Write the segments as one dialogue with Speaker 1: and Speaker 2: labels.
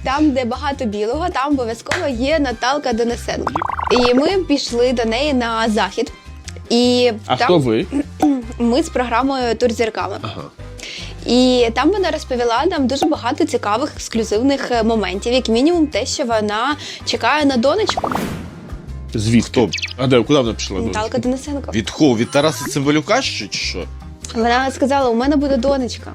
Speaker 1: там, де багато білого, там обов'язково є Наталка Денисенко. І ми пішли до неї на захід. І
Speaker 2: А
Speaker 1: там
Speaker 2: хто ви?
Speaker 1: ми з програмою «Тур зірками».
Speaker 2: Ага.
Speaker 1: І там вона розповіла нам дуже багато цікавих ексклюзивних моментів, як мінімум те, що вона чекає на донечку.
Speaker 2: Звідки? А де, куди вона пішла?
Speaker 1: Наталка Денисенко.
Speaker 3: Від кого? Від Тараса Цимбалюка чи що?
Speaker 1: Вона сказала, у мене буде донечка.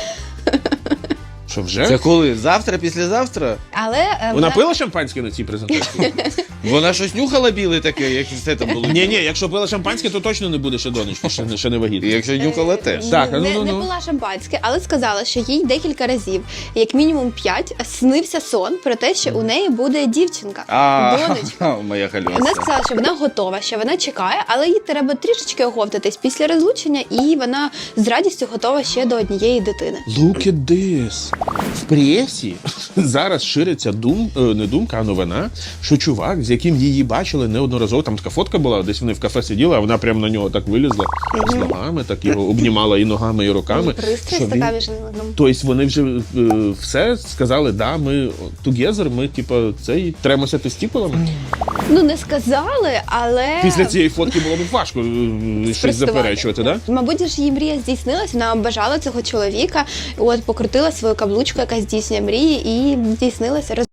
Speaker 2: Що, вже?
Speaker 3: Це коли? Завтра, післязавтра?
Speaker 1: Але
Speaker 2: Вона пила шампанське на цій презентації?
Speaker 3: Вона щось нюхала біле таке, як все там було?
Speaker 2: Ні, якщо пила шампанське, то точно не буде ще донечки, ще не
Speaker 3: І
Speaker 2: вагітна.
Speaker 3: якщо нюхала теж.
Speaker 2: Так,
Speaker 1: не
Speaker 2: ну.
Speaker 1: пила шампанське, але сказала, що їй декілька разів, як мінімум 5, снився сон про те, що у неї буде дівчинка, донечка.
Speaker 3: Моя
Speaker 1: Вона
Speaker 3: хальоса.
Speaker 1: сказала, що вона готова, що вона чекає, але їй треба трішечки оговтатись після розлучення, і вона з радістю готова ще до однієї дитини.
Speaker 2: Look at this. В пресі зараз шириться не думка, а новина, що чувак, з яким її бачили неодноразово, там така фотка була, десь вони в кафе сиділи, а вона прямо на нього так вилізла з ногами, так його обнімала і ногами, і руками.
Speaker 1: Пристрасть така між ними.
Speaker 2: Тобто вони вже все сказали, да, ми together, ми типу цей тремося тестікулами.
Speaker 1: Ну, не сказали, але...
Speaker 2: Після цієї фотки було б важко щось заперечувати, да?
Speaker 1: Мабуть, ж її мрія здійснилась, вона бажала цього чоловіка, от покрутила свою каблучку, яка здійснює мрії, і здійснилася.